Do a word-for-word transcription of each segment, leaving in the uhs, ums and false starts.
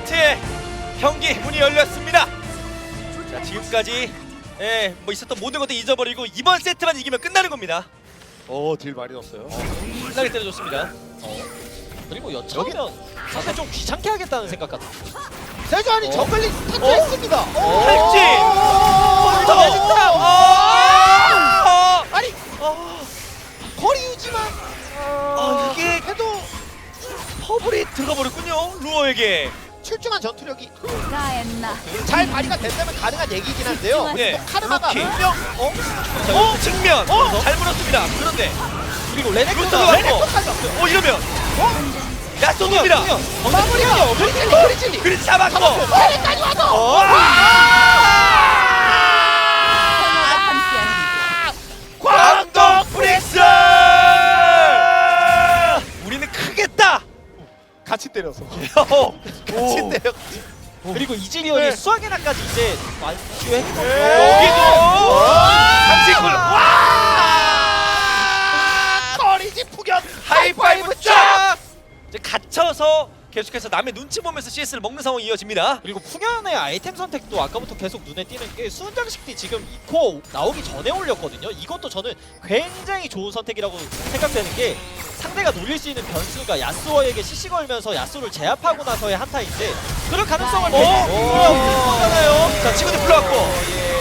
세트의 경기 문이 열렸습니다. 자, 지금까지 예, 뭐 있었던 모든 것도 잊어버리고 이번 세트만 이기면 끝나는 겁니다. 어, 딜 많이 넣었어요. 신나게 때려줬습니다. 어. 그리고 여차하면 사실 좀 귀찮게 하겠다는 생각 같아. 세주안이 어? 저글링 스타트 어? 했습니다. 어? 탈진! 어? 매직탑! 아! 아니, 거리 유지만 아, 이게 해도 퍼블이 들어가 버렸군요. 루어에게. 출중한 전투력이 라엔나 잘 발휘가 된다면 가능한 얘기긴 한데요. 네. 또 카르마가 루키. 분명 어? 자, 어? 측면. 어? 잘 물었습니다. 그런데 그리고 루트가 레넥톤가 왔고. 레넥톤까지 왔어요. 어, 이러면 어? 야쏘입니다. 마무리야. 그리즐리 그리즐리. 그리고 잡았고. 테레까지 와서. 어? 하나가 와! 함께하는 광동 프릭스! 우리는 크겠다. 같이 때려서. 같이 때려. 그리고 이즈리언이 네. 수학에나까지 이제 완주했고 여기도 삼식을 와! 거리지 fu견. 하이파이브 쫙! 이제 갇혀서 계속해서 남의 눈치 보면서 씨에스를 먹는 상황이 이어집니다. 그리고 풍현의 아이템 선택도 아까부터 계속 눈에 띄는 게 수은장식이 지금 이 코어 나오기 전에 올렸거든요. 이것도 저는 굉장히 좋은 선택이라고 생각되는 게 상대가 노릴 수 있는 변수가 야스오에게 씨씨 걸면서 야스오를 제압하고 나서의 한타인데 그럴 가능성을 어? 보잖아요. 자, 친구들 불러왔고.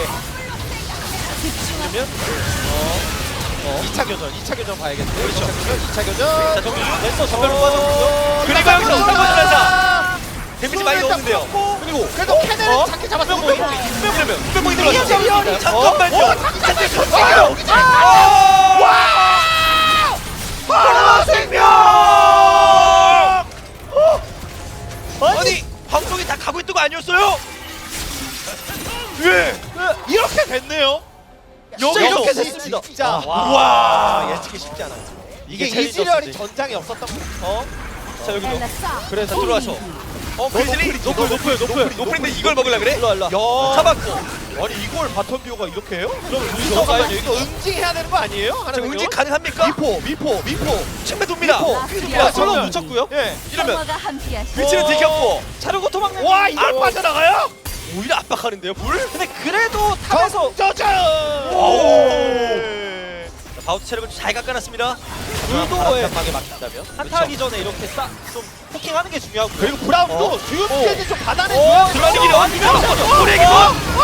집중하면 이 차 교전, 이 차 교전 봐야겠는데. 그렇죠. 이 차 교전. 자, 정규준. 랜서 전멸로 빠졌고요. 그리고 여기서 울트라마전사. 데미지 많이 넣었는데요. 그리고 그래도 캐넬은 어? 작게 잡았어. 분명히 분명히 분명히 들어갔죠. 이즈리언이 잠깐만요. 어, 잠깐만요. 잠깐만요. 와! 파라 생명! 아니, 방송이 다 가고 있던 거 아니었어요? 예. 이렇게 됐네요. 진짜 여기서 이렇게 됐습니다. 진짜. 아, 와, 예측이 쉽지 않아요. 이게 이게 이즈리얼이 챌린저스지. 전장에 없었던 거. 어? 자, 여기도. 엘라싸 그래서 들어와서. 어, 그리즐리? 노플, 노플, 노플, 노플인데 이걸 먹으려 그래? 일로 일로. 야, 잡았고. 아니 이걸 바텀 듀오가 이렇게 해요? 그럼 이거 둘이서 가야 돼. 이거 응징해야 되는 거 아니에요? 자, 하나는 응징 가능합니까? 미포, 미포, 미포. 침대 돕니다. 미포. 야, 야, 저거 묻혔고요. 예. 이러면 성화가 함께하시 위치는 들켰고. 차르고 도망가. 와, 이걸 아, 빠져나가요? 오히려 압박하는데요, 불? 근데 그래도 탑에서 저저. 오. 자, 바우트 체력을 잘 깎아놨습니다. 불도에 방에 막힌다면. 한타하기 전에 이렇게 싹 좀 포킹하는 게 중요하고요. 그리고 브라운도 어? 주요 어. 스케줄 좀 받아내줘요. 어, 들어가기를 완전 불에게 또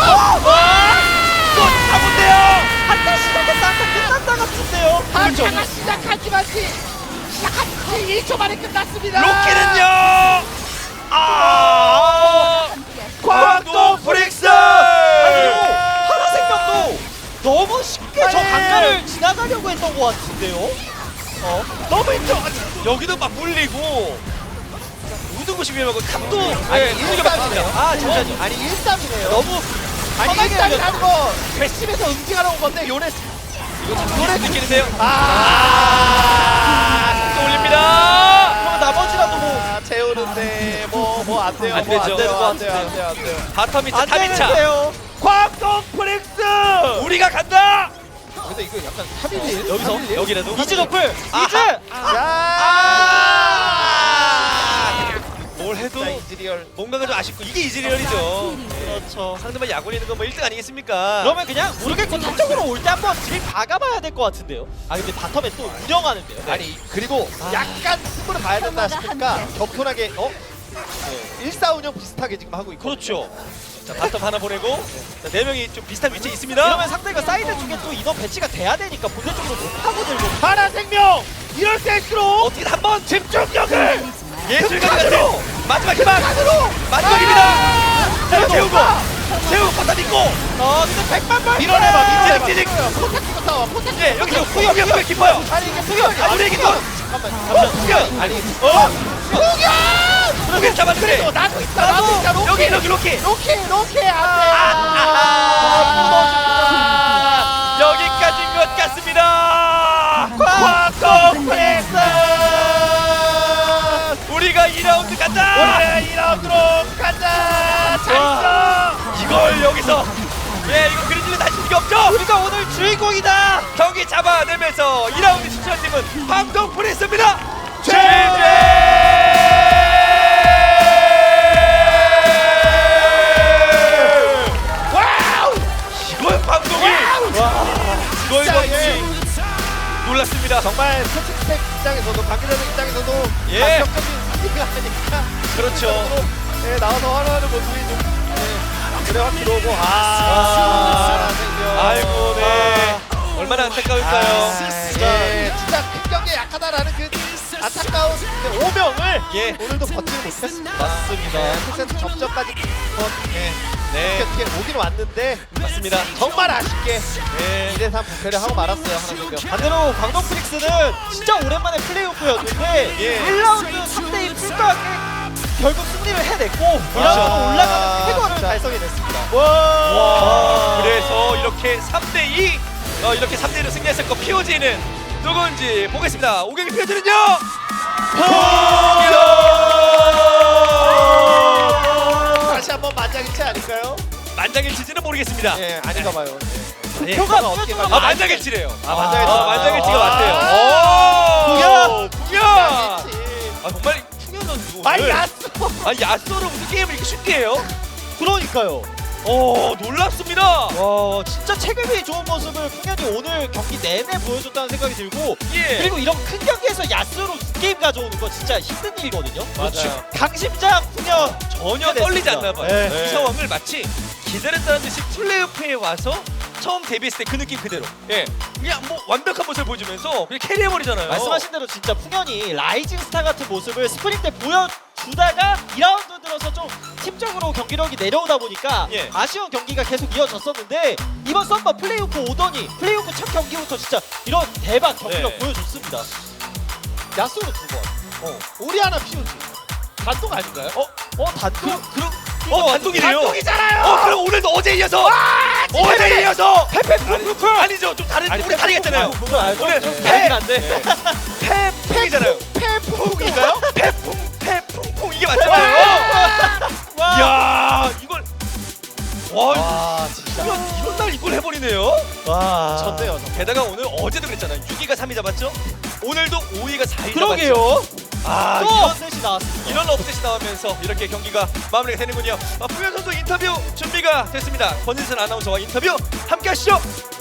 잡은데요. 한타 시작했다 한타 끝났다 같은데요. 한타가 시작하지만 시작한 지 일 초 만에 끝났습니다. 로키는요. 아, 함께하시 광동 프릭스. 그리고 하나생명도 너무 쉽게 저 아니. 단가를 지나가려고 했던 것 같은데요. 어? 너무 힘들어. 여기도 막 물리고 모든 곳이 위험하고 탑도 예, 이렇게 막힙니다. 아, 잠시만요. 아니 일삼이네요. 너무 아니 편하게 일삼이라는 거 괘씸해서 응징하러 온 건데 요네 노래 느끼는데요. 아, 또 올립니다. 그러면 나머지라도 뭐 아, 채우는데 뭐 뭐 안 돼요. 안 뭐 되죠. 안 돼요. 안 안 돼요. 안 돼요. 안 돼요. 바텀 이차 안 탑 이차 되는데요. 광동 프릭스 우리가 간다. 근데 이거 약간 타밀리 여기서 여기라도 이즈 노플 아하. 이즈. 아! 뭘 해도 자, 이즈리얼. 뭔가가 좀 아쉽고 이게 이즈리얼이죠. 그렇죠. 상대방 약올리는 건 뭐 일 등 아니겠습니까? 그러면 그냥 모르겠고 탑쪽으로 올 때 한번 딜 박아봐야 될 것 같은데요. 아 근데 바텀에 또 운영하는데요. 네. 아니 그리고 아. 약간 승부를 봐야 된다 싶으니까 격분하게 어? 일사 운영 비슷하게 지금 하고 있고. 그렇죠. 자, 바텀 하나 보내고 자, 네 명이 좀 비슷한 위치에 있습니다. 이러면 상대가 사이드 쪽에 또 인원 배치가 돼야 되니까 본대 쪽으로 못 파고들고. 하나 생명 이럴 때일수록 어떻게 한번 집중력을 흔들리지 마. 예술가 같은 마지막 희망 마지막입니다. 자, 재우고 재우고 바텀 있고 아 근데 백만 발. 밀어내봐 밀어내봐. 찌직, 찌직. 포탑 끼고 싸워. 포탑 끼고 예, 여기서 싸워. 후영 후영 깊어요. 아니 이게 수경 아, 우리 얘기 또 잠깐만. 어, 후영 아니 어, 수경. 후영 잡았는데 그래도 나도 있다. 나도 있다. 로키. 여기 여기 로키 로키 로키 안돼. 아, 여기까지인 것 같습니다. 광동 프렉스 우리가 이 라운드 간다. 우리가 이 라운드로 간다. 잘 있어. 이걸 여기서 예 이거 그리즐리 다시 수가 없죠. 우리가 오늘 주인공이다. 경기 잡아내면서 이 라운드 추천팀은 광동 프렉스입니다. 최재. 맞습니다. 정말 코칭 스택 입장에서도 관계자들 입장에서도 예. 감격적인 승리가 아니니까 그렇죠. 네, 나와서 환호하는 모습이 좀 네, 그래 확 들어오고 아, 아, 아이고 네. 얼마나 안타까울까요? 예, 진짜 큰 경기에 약하다라는 그 안타까운 그 오명을 예. 오늘도 버티지 못했습니다. 맞습니다. 네, 풀세트 접전까지 어, 네, 네. 어떻게 어떻게 오긴 왔는데 맞습니다. 정말 아쉽게 네. 이 대 삼 부패를 하고 말았어요. 하나생명. 반대로 광동 프릭스는 진짜 오랜만에 플레이오프였는데 예. 일 라운드 삼 대 일 풀가게 결국 승리를 해냈고 이 그렇죠. 라운드로 올라가는 쾌거를 진짜. 달성해냈습니다. 와. 그래서 이렇게 삼 대 이 어, 이렇게 삼 대 이로 승리했을 거 피오지는 누군지 보겠습니다. 오경기 피오지는요. 다시 한번 만장일치 아닐까요? 만장일치지는 모르겠습니다. 예, 아닌가 봐요. 예. 표가 어떻게 어떻게 아 만장일치래요. 아, 만장일치. 아, 만장일치가 아. 맞대요. 오. 풍현! 풍현. 아 정말 풍현 선수. 아이 오늘- 야스. 아 야스로 무슨 게임을 이렇게 쉽게 해요? 그러니까요. 오 놀랍습니다. 와 진짜 체급이 좋은 모습을 풍현이 오늘 경기 내내 보여줬다는 생각이 들고 예. 그리고 이런 큰 경기에서 야스로 게임 가져오는 거 진짜 힘든 일이거든요. 맞아요. 강심장 풍현 전혀 떨리지 않나 봐요. 네. 이 상황을 마치 기다렸다는 듯이 플레이오프에 와서 처음 데뷔했을 때 그 느낌 그대로. 예, 그냥 뭐 완벽한 모습을 보여주면서 그냥 캐리해버리잖아요. 말씀하신 대로 진짜 풍현이 라이징 스타 같은 모습을 스프링 때 보여주다가 이 라운드 들어서 좀 팀적으로 경기력이 내려오다 보니까 예. 아쉬운 경기가 계속 이어졌었는데 이번 썸머 플레이오프 오더니 플레이오프 첫 경기부터 진짜 이런 대박 경기력 네. 보여줬습니다. 야스로 두 번. 어. 우리 하나 피우지. 단독 아닌가요? 어, 어 단독? 그럼 어 단독이래요. 단독이잖아요. 어 그럼 오늘도 어제 이어서 어제 이어서 페페 아니, 아니죠. 좀 다른 우리 다르겠잖아요. 그거 알죠? 오늘 좀 페- 다르긴 한데 페풍이잖아요. 페풍인가요? 페풍 페풍풍 이게 맞잖아요. 와 이야 이걸 와 와 진짜. 이런 이런 날 이걸 해버리네요. 와 전대요. 저. 게다가 오늘 어제도 그랬잖아요. 육 위가 삼 위 잡았죠. 오늘도 오 위가 사 위 잡았죠. 그러게요. 아 또 이런 업셋이 나왔습니다. 이런 업셋이 나오면서 이렇게 경기가 마무리가 되는군요. 아, 풍현 선수 인터뷰 준비가 됐습니다. 권진선 아나운서와 인터뷰 함께 하시죠.